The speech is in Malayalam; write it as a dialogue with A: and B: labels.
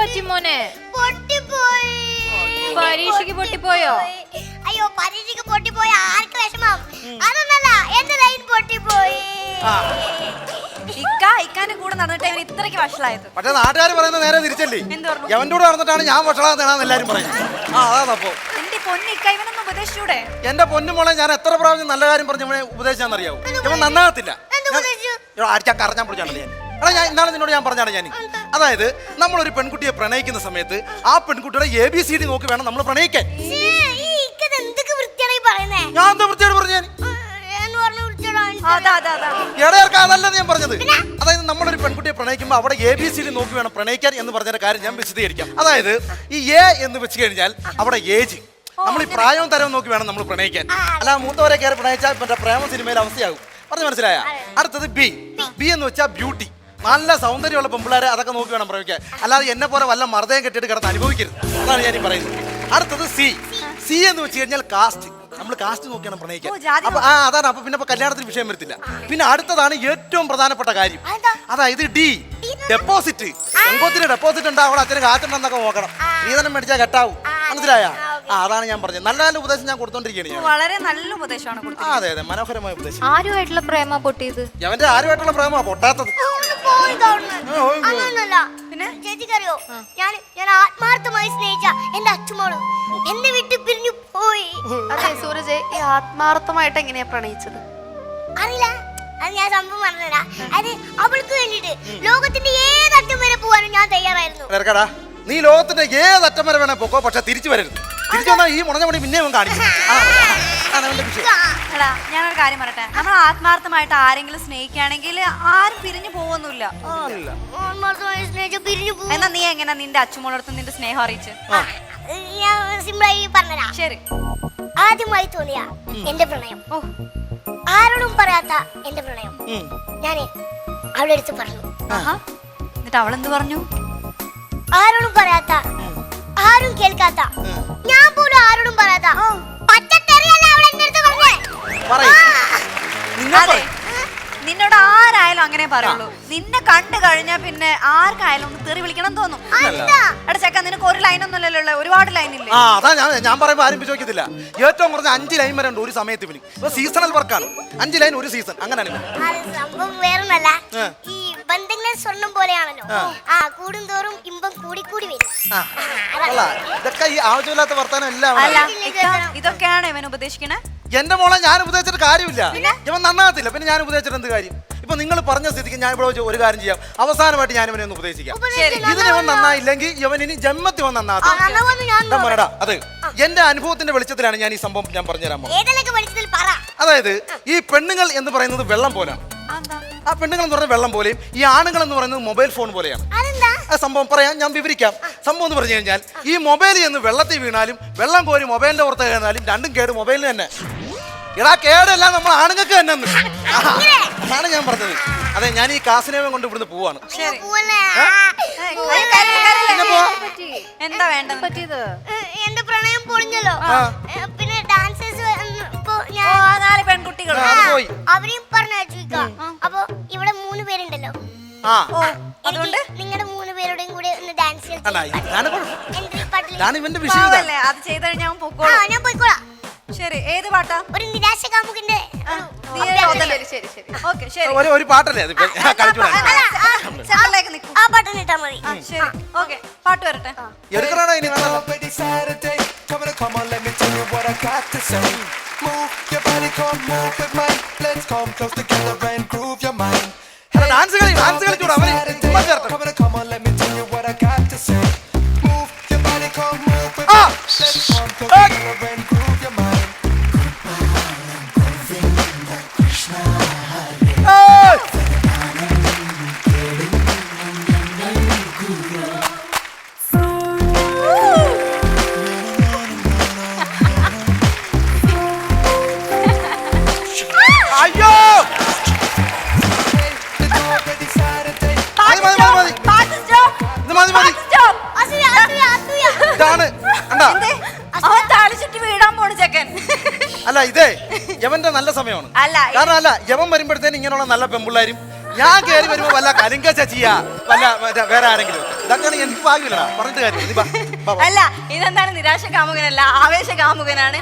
A: പറ്റി മോനെ?
B: പൊട്ടിപ്പോയി.
A: പരീക്ഷയ്ക്ക് പൊട്ടിപ്പോയോ?
B: അയ്യോ പരീക്ഷയ്ക്ക് പൊട്ടിപ്പോയി. ആർക്ക് വിഷമം? അതൊന്നല്ല, എന്റെ ലൈൻ പൊട്ടിപ്പോയി.
C: ഇക്കാന്റെ കൂടെ നടന്നിട്ട് അവൻ ഇത്രയ്ക്ക് വഷളായത്.
D: പക്ഷെ നാട്ടുകാർ പറയുന്നത് നേരെ തിരിച്ചല്ലേ? എവന്റെ കൂടെ നടന്നിട്ടാണ് ഞാൻ വഷളാന്നാണ് എല്ലാരും പറയുന്നത്. അതാ
C: എന്റെ പൊന്നിക്ക ഇവനൊന്നും ഉപദേശിച്ചൂടെ?
D: എന്റെ പൊന്നുമോളെ ഞാൻ എത്ര പ്രാവശ്യം നല്ല കാര്യം പറഞ്ഞ ഇവനെ ഉപദേശിച്ചാന്നറിയാവോ? ഇവൻ നന്നാകത്തില്ല. അടിച്ചാൽ കറഞ്ഞാൻ പിടിച്ചാണല്ലേ ഞാൻ. എടാ ഞാൻ ഇന്നാളെ നിന്നോട് ഞാൻ പറഞ്ഞാണ് ഞാൻ. അതായത് നമ്മളൊരു പെൺകുട്ടിയെ പ്രണയിക്കുന്ന സമയത്ത് ആ പെൺകുട്ടിയുടെ ABCD നോക്കി വേണം നമ്മൾ പ്രണയിക്കാൻ. ഞാൻ എന്താ വൃത്തിയോട് പറഞ്ഞു? അതല്ല ഞാൻ പറഞ്ഞത്. അതായത് നമ്മളൊരു പെൺകുട്ടിയെ പ്രണയിക്കുമ്പോൾ അവിടെ ABCD നോക്കി വേണം പ്രണയിക്കാൻ എന്ന് പറഞ്ഞതിന്റെ കാര്യം ഞാൻ വിശദീകരിക്കാം. അതായത് ഈ A എന്ന് വെച്ച് കഴിഞ്ഞാൽ അവിടെ ഏജ്, നമ്മൾ ഈ പ്രായവും തരവും നോക്കി വേണം നമ്മൾ പ്രണയിക്കാൻ. അല്ല മൂത്തവരെ കയറി പ്രണയിച്ചാൽ മറ്റേ പ്രേമ സിനിമയിൽ അവസ്ഥയാകും. പറഞ്ഞു മനസ്സിലായ? അടുത്തത് ബി എന്ന് വെച്ചാൽ ബ്യൂട്ടി, നല്ല സൗന്ദര്യമുള്ള പെമ്പിള്ളേരെ അതൊക്കെ നോക്കി വേണം പ്രയോഗിക്കാൻ. അല്ലാതെ എന്നെ പോലെ വല്ല മർദ്ദയം കെട്ടിട്ട് കിടന്ന് അനുഭവിക്കരുത്. അതാണ് ഞാൻ ഈ പറയുന്നത്. അടുത്തത് സി എന്ന് വെച്ച് കഴിഞ്ഞാൽ കാസ്റ്റ്, നമ്മൾ കാസ്റ്റ് നോക്കിയാണ് പ്രണയിക്കാൻ. അപ്പൊ അതാണ്. അപ്പൊ പിന്നെ കല്യാണത്തിന് വിഷയം വരത്തില്ല. പിന്നെ അടുത്തതാണ് ഏറ്റവും പ്രധാനപ്പെട്ട കാര്യം, അതായത് ഡെപ്പോസിറ്റ്. പെങ്കോത്തിന് ഡെപ്പോസിറ്റ് ഉണ്ടാവും, അവിടെ അച്ഛന് കാറ്റുണ്ടെന്നൊക്കെ നോക്കണം. സ്ത്രീധനം മേടിച്ചാൽ കെട്ടാവും. മനസ്സിലായ? അതാണ് ഞാൻ പറഞ്ഞത്. നല്ല നല്ല ഉപദേശം ഞാൻ കൊടുത്തോണ്ടിരിക്കുകയാണ്.
C: വളരെ നല്ല ഉപദേശമാണ് കൊടുത്തത്.
D: അതെ അതെ, മനോഹരമായ ഉപദേശം.
A: ആരുമായിട്ടുള്ള പ്രേമ പൊട്ടിയത്?
D: അവന്റെ ആരുമായിട്ടുള്ള പ്രേമ പൊട്ടാത്തത്.
B: പിന്നെ ചേച്ചിക്കറിയോ, ഞാൻ ആത്മാർത്ഥമായി സ്നേഹിച്ച എന്റെ അച്ഛമോള് എന്നെ വിട്ട് പിരിഞ്ഞു പോയി.
E: അതെ സൂരജ്, ഈ ആത്മാർത്ഥമായിട്ട് എങ്ങനെയാ പ്രണയിച്ചത്?
B: അറിയില്ല, അത് ഞാൻ സംഭവം പറഞ്ഞതാ. അത് അവൾക്ക് വേണ്ടിട്ട് ലോകത്തിന്റെ ഏതറ്റം വരെ പോവാനും ഞാൻ തയ്യാറായിരുന്നു.
D: നീ ലോകത്തിന്റെ ഏതറ്റം വരെ വേണേ പോക്കോ, പക്ഷെ തിരിച്ചു വരരുത്. തിരിച്ചു വന്നാൽ ഈ മുടഞ്ഞ മണി പിന്നെ കാണിക്കും.
C: ഞാനൊരു കാര്യം പറയട്ടെ, നമ്മൾ ആത്മാർത്ഥമായിട്ട് ആരെങ്കിലും സ്നേഹിക്കുകയാണെങ്കിൽ ആരും പിരിഞ്ഞു പോവൊന്നുമില്ല. എന്നാ നീ എങ്ങനെ നിന്റെ അച്ഛനോടടുത്ത് നിന്റെ സ്നേഹം അറിയിച്ച്?
B: സിമ്പിളായി പറഞ്ഞതാ.
C: ശരി.
B: ആദ്യമായി തോന്നിയ എന്റെ പ്രണയം, ആരോടും പറയാത്ത എന്റെ പ്രണയം ഞാന് അവളുടെ അടുത്ത് പറഞ്ഞു.
C: എന്നിട്ട് അവളെന്ത് പറഞ്ഞു?
B: ആരോടും പറയാത്ത, ആരും കേൾക്കാത്ത, ഞാൻ പോലും ആരോടും പറയാത്ത പച്ചത്തെറിയല്ല അവൾ എന്റെ അടുത്ത്
C: പറഞ്ഞേ. നിന്നോട് ആരായാലും അങ്ങനെ പറയുള്ളൂ. നിന്നെ കണ്ടു കഴിഞ്ഞാൽ പിന്നെ ആർക്കായാലും ഒന്ന് തെറി വിളിക്കണം തോന്നും. എടാ ചെക്ക, നിനക്ക് ഒരു ലൈനൊന്നുമല്ലല്ലോ, ഒരുപാട് ലൈനില്ലേ?
D: അതാ ഞാൻ പറയുമ്പോ ആരും ചോദിക്കത്തില്ല. ഏറ്റവും കുറഞ്ഞ 5 ലൈൻ വരെ ഉണ്ട് ഒരു സമയത്ത്. ഇവന് ഇപ്പൊ സീസണൽ വർക്കാണ്. 5 ലൈൻ ഒരു സീസൺ, അങ്ങനെയാണ്.
B: സംഭവം വേറൊന്നല്ല, ഈ ബന്ധങ്ങൾ സ്വർണം പോലെയാണല്ലോ. കൂടുന്തോറും ഇമ്പം കൂടി കൂടി വരും.
D: ഇതൊക്കെ ഈ ആവശ്യമില്ലാത്ത വർത്താനം എല്ലാം.
C: ഇതൊക്കെയാണ് ഇവൻ ഉപദേശിക്കണേ.
D: എന്റെ മോളെ ഞാൻ ഉപദേശിച്ചിട്ട് കാര്യമില്ല. ഇവൻ നന്നാകത്തില്ല, പിന്നെ ഞാൻ ഉപദേശിച്ചിട്ട് എന്ത് കാര്യം? ഇപ്പൊ നിങ്ങൾ പറഞ്ഞ സ്ഥിതിക്ക് ഞാൻ ഇവിടെ ഒരു കാര്യം ചെയ്യാം. അവസാനമായിട്ട് ഞാൻ ഇവനെ ഒന്ന് ഉപദേശിക്കാം. ഇതിന് ഇവൻ നന്നായില്ലെങ്കിൽ ഇവൻ ഇനി ജന്മത്തിൽ ഇവൻ നന്നാകത്തില്ല. അതെ, എന്റെ അനുഭവത്തിന്റെ വെളിച്ചത്തിലാണ് ഞാൻ ഈ സംഭവം ഞാൻ പറഞ്ഞുതരാൻ പോകുന്നത്. അതായത് ഈ പെണ്ണുങ്ങൾ എന്ന് പറയുന്നത് വെള്ളം പോലെയാണ്. ആ പെണ്ണുങ്ങൾ എന്ന് പറയുന്നത് വെള്ളം പോലെയും ഈ ആണുങ്ങൾ എന്ന് പറയുന്നത് മൊബൈൽ ഫോൺ പോലെയാണ്. ആ സംഭവം പറയാം, ഞാൻ വിവരിക്കാം. സംഭവം എന്ന് പറഞ്ഞു കഴിഞ്ഞാൽ ഈ മൊബൈൽ എന്ന് വെള്ളത്തിൽ വീണാലും വെള്ളം കോരി മൊബൈലിന്റെ പുറത്ത് വീണാലും രണ്ടും കേട് മൊബൈലിന് തന്നെ. ഇടാ കേടല്ല നമ്മൾ ആണുങ്ങൾക്ക് തന്നെ അതാണ് ഞാൻ പറഞ്ഞത്. അതെ, ഞാൻ ഈ കാസിനേവം കൊണ്ട് ഇവിടുന്ന് പോവാണ്.
C: എന്താ വേണ്ടത്?
B: എന്റെ പ്രണയം പൊളിഞ്ഞല്ലോ. പിന്നെ ഡാൻസേഴ്സ്
C: പെൺകുട്ടികൾ
B: അവരെയും പറഞ്ഞു. അപ്പൊ ഇവിടെ 3 പേരുണ്ടല്ലോ. അതുകൊണ്ട് നിങ്ങളുടെ 3 പേരുടെയും കൂടെ ഒന്ന് ഡാൻസ്
C: അത് ചെയ്ത് കഴിഞ്ഞാൽ ഞാൻ പോയിക്കോളാം. ശരി, ഏത് പാട്ടാ?
B: ഒരു നിരാശ കാമുകന്റെ
D: ഒരു പാട്ടല്ലേ
B: ആ പാട്ടൊന്ന് ഇട്ടാ മതി.
C: ശരി, ഓക്കെ, പാട്ട് വരട്ടെ.
D: എടുക്കണോ ഇനി? ഡാൻസ് കളിച്ചൂടാ അല്ല, ഇതേ യവന്റെ നല്ല സമയമാണ്. കാരണം യവൻ വരുമ്പോഴത്തേനും ഇങ്ങനെയുള്ള നല്ല പെമ്പിള്ളാരും ഞാൻ കയറി വരുമ്പോ വല്ല കലിങ്ക ചച്ചിയാ വല്ല മറ്റേ വേറെ ആരെങ്കിലും ഇതൊക്കെയാണ് എനിക്ക് ഭാഗ്യമില്ലടാ പറഞ്ഞിട്ട് കാര്യം
C: അല്ല ഇതെന്താണ് നിരാശ കാമുകനല്ല ആവേശ കാമുകനാണ്